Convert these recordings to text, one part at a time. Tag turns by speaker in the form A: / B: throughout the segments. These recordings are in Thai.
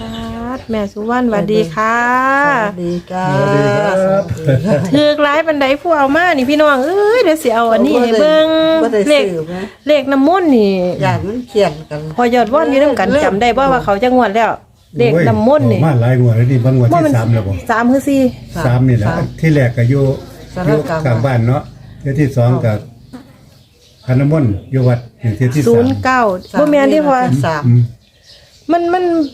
A: แม่สุวรรณสวัสดีค่ะ
B: สวัสดีจ้า
A: ถือกหลายปันไดผู้เอามานี่พี่น้องเอ้ยเดี๋ยวสิเอาอันนี้ให้เบิ่งเลขน้ำมนต์นี่
B: อย่างมันเขียนกัน
A: พอยอดว่อนอยู่นำกันจำได้บ่ว่าเขาจะงวดแล้วเลขน้ำมนต์นี่
C: มาหลายงวดแล้วนี่บางงวดที่3แล้วบ่
A: 3คือ4
C: 3นี่แหละที่แรกก็อยู่กลางบ้านเนาะที่2ก็พันน้ำมนต์อยู่วัดที่3
A: 09บ่แม่นที่พอมัน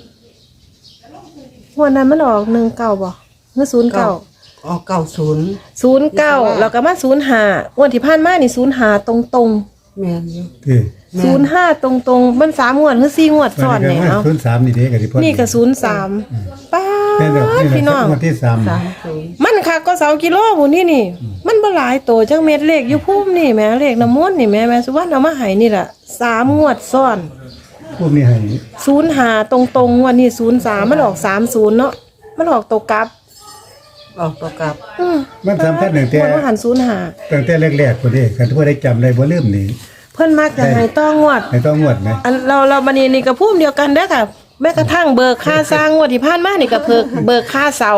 A: วันนั้นมันออก19บ่คือ09
B: ออก
A: 09แล้วก็มา05วันที่ผ่านมานี่05ตรงๆ
B: แม่นอยู่
A: 05ตรงๆมัน3งวดคือ4งวดซ้อนเนี่ยเอา
C: 03นี่เด้ก็สิพอ
A: นี่ก็03ป้าพี่น้อง
C: งวดที่
B: 30
A: มันคักก็2กิโลหมู่นี่มันบ่หลายโตจังเม็ดเลขอยู่ภูมินี่แม่เลขน้ำมนต์นี่แม่สุวรรณเอามาให้นี่ล่ะ3งวดซ้อน
C: พวกนี้ให้
A: 05ตรงๆงวดนี้03มันออก30เนาะมันออกตกกลับ
B: ออกตัวกลับ
C: มันสำคัญตั้งแต่
A: มันหัน05
C: ตั้งแต่แรกๆพุ่นเด้คันผู้ใดจำได้บ่ลืมนี่
A: เพิ่นมักจะให้ต้องงวด
C: ให้ต้องงวดมั้ย
A: อันเราบัดนี้นี่ก็ภูมิเดียวกันเด้อค่ะแม้กระทั่งเบิกค่าสร้างงวดที่ผ่านมานี่ก็เบิกค่าเสา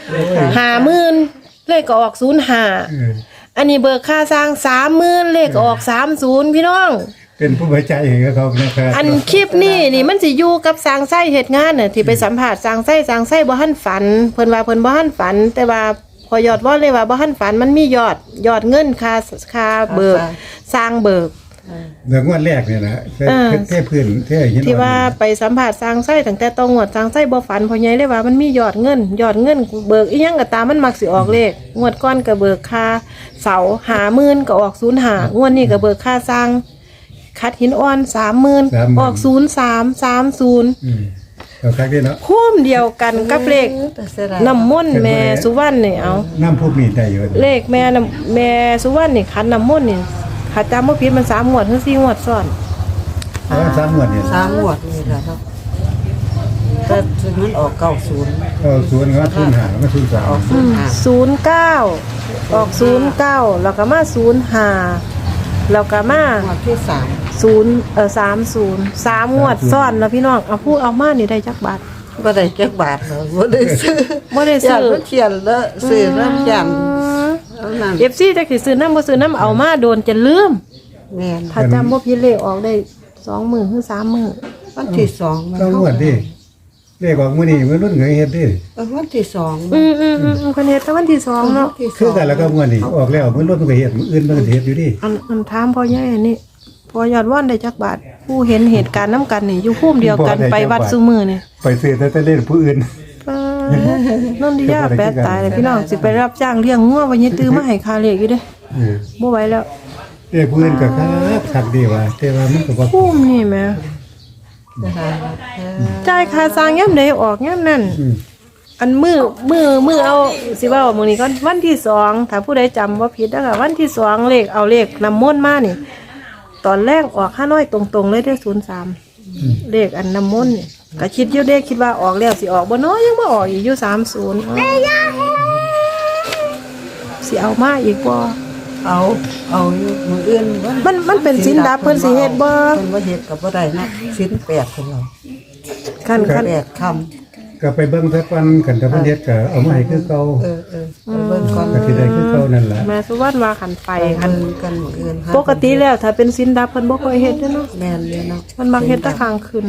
A: 50,000เลขก็ออก05อันนี้เบิกค่าสร้าง 30,000เลขก็ออก30พี่น้อง
C: เป็นผู้ไว้ใจให้เขานะครับ
A: อันคลิปนี่มันสิอยู่กับสร้างไส้เฮ็ดงานน่ะที่ไปสัมภาษณ์สร้างไส้บ่ทันฝันเพิ่นว่าเพิ่นบ่ทันฝันแต่ว่าพอยอดว่าเลยว่าบ่ทันฝันมันมียอดเงินค่าเบิกสร้างเบิก
C: เรื่องงวดแรกนี่นะเทพื้นเทหิน
A: ที่ว่าไปสัมภาษณ์สร้างไส้ตั้งแต่ต้องงวดสร้างไส้บ่ฝันพ่อใหญ่เลยว่ามันมียอดเงินเบิกอีหยังก็ตามมันมักสิออกเลขงวดก่อนก็เบิกค่าเสา 50,000ก็ออก05งวดนี้ก็เบิกค่าสร้างคัดหินอ่อน 30,000ออก0330
C: เอาคักเด้เนาะ
A: คุ้มเดียวกันกับเลขน้ำมนต์แม่สุวรรณนี่เอา
C: น้ำพวกนี้ได้อยู่
A: เลขแม่สุวรรณนี่คันน้ำมนต์นี่ถ้าจำบ่ผิดมัน3งวดถึง4งวดซ้อน
C: 3งวดนี่
B: 3งวดนี่ล่ะครับแต่มันออก90
C: ก็0ก็05ก็03
B: ออก
A: 09ออก09แล้วก็มา05แล้วก็มาง
B: วดที่
A: 30 3งวดซ้อนแล้วพี่น้องเอาพูดเอามานี่ได้จักบาท
B: บ่ได้จักบาทบ่ได้ซื้อเขียนแล้วซื้อน้ำจัน
A: FC จักสิซื้อน้ำบ่ซื้อน้ำเอามาโดนจะลืม
B: แม่น
A: ถ้าจำบ่ผิดเลขออกได้20,000ถึง30,000
B: วันที่2มัน
C: งวดดิเลขออกมื้อนี้มื้อรุ่นเคยเฮ็ดดิ
B: วันที่2
A: เพิ่นเฮ็ดแต่วันที่2เนาะ
C: คือกันแล้วก็งวดนี้ออกแล้วมื้อรุ่นมันก็เฮ็ดมื้ออื่นมันก็เฮ็ดอยู่ดิ
A: อันถามพ่อใหญ่นี่พอยอดว่อนได้จักบาทผู้เห็นเหตุการณ์นำกันนี่อยู่ภูมิเดียวกันไปวัดซุมื้อนี่
C: ไปซื้อแต่เล่นผู้อื่น
A: นนทิยาแปดตายเลยพี่น้องสิไปรับจ้างเลี้ยงงัววันนี้ตื้อมาให้ค่าเลี้ยงอยู่เด้บ่ไหวแล้ว
C: เอ้ผู้อื่นก็คักดีว่าแต่ว่ามันก็บ่
A: คุ้มนี่แม่จ่ายค่าสร้างยามใดออกยามนั้นอันมือเอาสิว่ามื้อนี้ก่อนวันที่2ถ้าผู้ใดจำบ่ผิดเด้อค่ะวันที่2เลขเอาเลขน้ำมนต์มานี่ตอนแรกออก5น้อยตรงๆเลยได้03เลขอันน้ำมนต์นี่ก็คิดอยู่เด้คิดว่าออกแล้วสิออกบ่น้อยยังบ่ออกอีกอยู่30สิเอามาอีกบ่
B: เอาอยู่มื้ออื่น
A: มันเป็นสินดับเพิ่นสิเฮ็ดบ่
B: เพิ่นบ่เฮ็ดก็บ่ได้นะสิน8ของเรา
A: คัน
B: 8คำ
C: ก็ไปเบิ่งซะก่อนกันถ้าเพิ่นเฮ็ดก็เอามาให้คือเก่า
B: เบิ่งก่อน
C: ก็สิได้คือเก่านั่นล่ะ
A: แม่สุวรรณว่าคันไปคัน
B: กันมื้ออื่น
A: ปกติแล้วถ้าเป็นสินดับเพิ่นบ่ค่อยเฮ็ดเด้อเนาะ
B: แม่นเลยเนาะ
A: มันมักเฮ็ดแต่ข้างคืน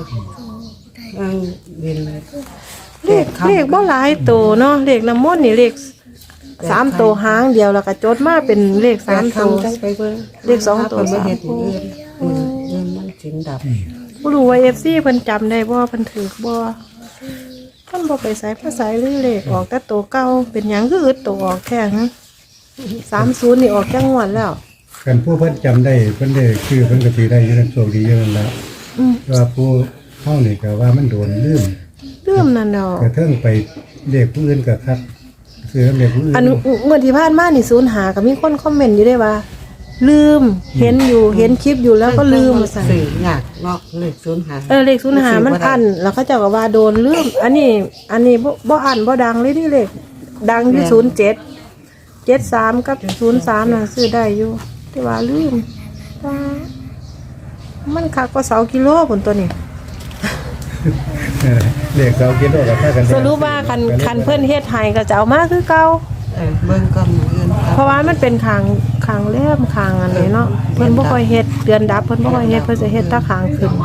A: เลขบ่หลายโตเนาะเลขน้ำมนต์นี่เลข3โตหางเดียวแล้วก็จดมาเป็นเลข3โตเลข2โต
B: บ่เฮ็ดมื้ออื่นมันสินดับ
A: บ่รู้ว่า FC เพิ่นจำได้บ่เพิ่นถูกบ่เพิ่นบ่ไปไสภาษาหรือเลขออกแต่โตเก่าเป็นหยังคืออึดโตออกแท้ฮะ30นี่ออกจังงวดแล้ว
C: กันผู้เพิ่นจำได้เพิ่นได้คือเพิ่นก็สิได้อยู่นั่นโชคดีอยู่นั่นล่ะว่าผู้เฮานี่ก็ว่ามันโดนลืม
A: นั่นดอก
C: กระเทิงไปเลขผู้อื่นก็คักซื้อเลขผู้อื่น
A: อันเมื่อที่ผ่านมานี่05ก็มีคนคอมเมนต์อยู่ได้ว่าลืมเห็นคลิปอยู่แล้วก็ลืม
B: สั่นยากเนาะเลข05
A: เลข05มันอั้นแล้วเขาเจ้าก็ว่าโดนลืมอันนี้บ่อั้นบ่ดังเลยนี่เลขดังที่07 73กับ03น่ะซื้อได้อยู่แต่ว่าลืมมันคักกว่า2กิโลพุ่นตัวนี้
C: เลข2กิโลก็พากัน
A: สรุปว่าคันเพิ่นเฮ็ดให้ก็จะเอามาคือเก่า
B: เบิ่งก่อนมื้ออื่น
A: เพราะว่ามันเป็นคางแหลมคางอันนี้เนาะเพิ่นบ่ค่อยเฮ็ดเดือนดับเพิ่นบ่ค่อยเฮ็ดเพิ่นจะเฮ็ดแตะคางขึ้น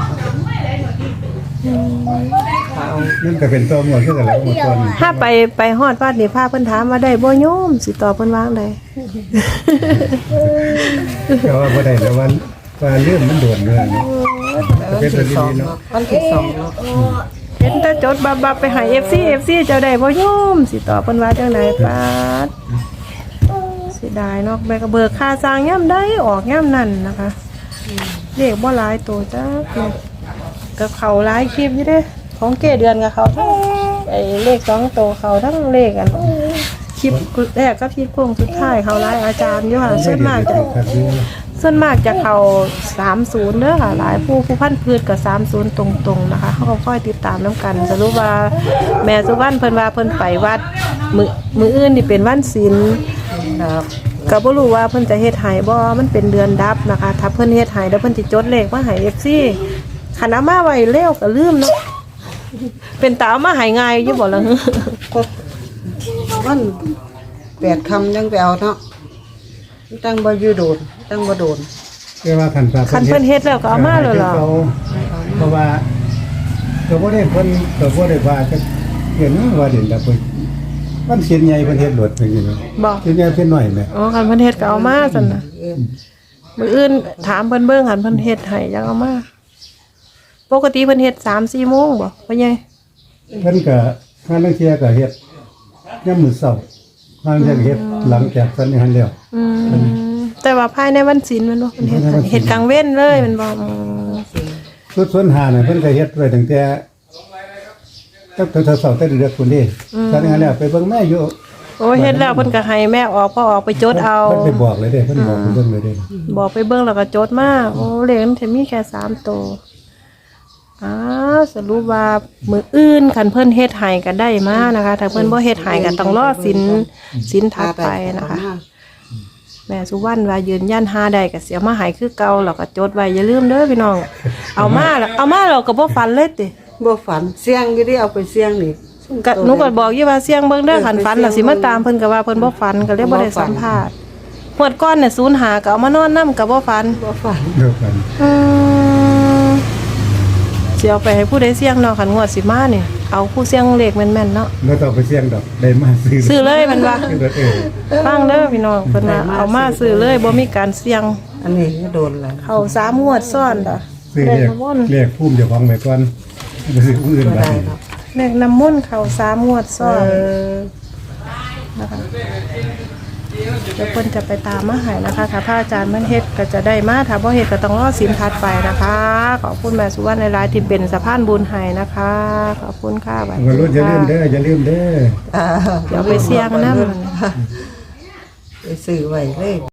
C: นั่นก็เป็นตัวหมดคือกันแล้วหมดตัวนี้
A: ถ้าไปฮอดวัดนี่พาเพิ่นถามว่าได้บ่โยมสิตอบเพิ่นว่าจั่งใด
C: ก็ว่าบ่ได้แล้วว่าเรื่องมันโดนเรื่องนี้
B: วันที่2เนาะวันที่2เนาะ
A: เห็นแต่จดบับไปให้ FC เจ้าได้บ่โยมสิตอบเพิ่นว่าจังไดปาดเสียดายเนาะแม่ก็เบิกค่าสร้างยามใดออกยามนั้นนะคะเลขบ่หลายตัวจ้าก็เขาหลายคลิปอยู่เด้ของเกเดือนกับเขาทั้งไอ้เลข2ตัวเขาทั้งเลขอันคลิปแรกกับคลิปโค้งสุดท้ายเขาหลายอาจารย์อยู่ค่ะส่วนมากจะเขา30เด้อค่ะหลายผู้พันพืชกับ30ตรงๆนะคะเขาก็ค่อยติดตามน้ำกันสรุปว่าแม่สุวรรณเพิ่นว่าเพิ่นไปวัดมื้ออื่นนี่เป็นวันศีล
B: ครับ
A: ก็บ่รู้ว่าเพิ่นจะเฮ็ดให้บ่มันเป็นเดือนดับนะคะถ้าเพิ่นเฮ็ดให้แล้วเพิ่นสิจดเลขมาให้ FC คันเอามาไว้เร็วก็ลืมเนาะเป็นตาเอามาให้ง่ายอยู่บ่ล่ะ
B: ก็วัน8ค่ำจังไปเอาเนาะจังบ่อยู่โดนจังบ่โดน
C: คือว่าคัน
A: คันเพิ่นเฮ็ดแล้วก็เอามาเลยเหรอ
C: เพราะว่าก็บ่ได้เพิ่นก็บ่ได้ว่าจะเห็นว่าเด่นแต่เพิ่นมันเสียนใหญ่เพิ่นเฮ็ดโดดไปอยู่เนาะ
A: บ่
C: เสียนใหญ่เพิ่นน้อยแหม
A: อ๋อคันเพิ่นเฮ็ดก็เอามาซั่นน่ะมื้ออื่นถามเพิ่นเบิ่งคันเพิ่นเฮ็ดให้จังเอามาปกติเพิ่นเฮ็ด 3-4 โมงบ่พ่อใหญ่
C: เพิ่นก็งานนักเที่ยก็เฮ็ดยามมื้อเช้าทางจะเฮ็ดหลังจากสันนิหันแล้ว
A: แต่ว่าภายในวันศีลแม่นบ่เพิ่นเฮ็ดให้เฮ็ดกลางเว้นเลยแม่นบ่
C: สุดส่วนหาน่ะเพิ่นก็เฮ็ดไว้ตั้งแต่ตั้งแต่เช้าแต่เดือนพุ่นนี่สันนิหันแล้วไปเบิ่งแม่อยู่
A: โอ้ยเฮ็ดแล้วเพิ่นก็ให้แม่ออกพอออกไปจดเอา
C: เพิ่นไปบอกเลยเด้เพิ่นบอกเพิ่นเบิ่งเลยเด้
A: บอกไปเบิ่งแล้วก็จดมาโอ้เลขมันจะมีแค่3ตัวสรุปว่ามื้ออื่นคันเพิ่นเฮ็ดให้ก็ได้มานะคะถ้าเพิ่นบ่เฮ็ดให้ก็ต้องรอศีลถัดไปนะคะแม่สุวรรณว่ายืนยันหาได้ก็สิเอามาให้คือเก่าแล้วก็จดไว้อย่าลืมเด้อพี่น้องเอามาแล้วก็บ่ฝันเลยติ
B: บ่ฝันเสียงอยู่ดิเอาไปเสียงนี่
A: ก็หนูก็บอกอยู่ว่าเสียงเบิ่งเด้อคันฝันแล้วสิมาตามเพิ่นก็ว่าเพิ่นบ่ฝันก็เลยบ่ได้สัมภาษณ์งวดก่อนเนี่ย05ก็เอามานอนนำก็บ่ฝัน
B: บ่ฝัน
C: เดียวกัน
A: สิเอาไปให้ผู้ใดเสี่ยงเนาะคันงวดสิมานี่เอาผู้เสี่ยงเลขแม่นๆเนาะ
C: บ่ต้องไปเสี่ยงดอกได้มาซื้อ
A: เลยมันว่า
C: ซื้อเออ
A: ฟังเด้อพี่น้องเพิ่นว่าเอามาซื้อเลยบ่มีการเสี่ยง
B: อันนี้ก็โดนแล้ว
A: เข้า3งวดซ้อนดอก
C: ซื้อ
A: เล
C: เรี
A: ข
C: ยก
A: น้ำมนต์
C: เรียกภูมิเจ้าของไว้ก่อนไปซื้อผู้อื่น
B: บ่
C: ไป
B: ได้เนาะ
A: เลขน้ำมนต์เข้า3งวดซ้อนนะคะเดี๋ยวเพิ่นจะไปตามมาให้นะคะถ้าพระอาจารย์เพิ่นเฮ็ดก็จะได้มาถ้าบ่เฮ็ดก็ต้องรอศีลถัดไปนะคะขอบคุณแม่สุวรรณหลายๆที่เป็นสะพานบุญให้นะคะขอบคุณค่ะบัด
C: วัยรุ่นอย่าลืมเด้ออย่าลืมเด้อ
A: เดี๋ยวไปเสี่ยงนำ
B: ไปซื้อไว้เลย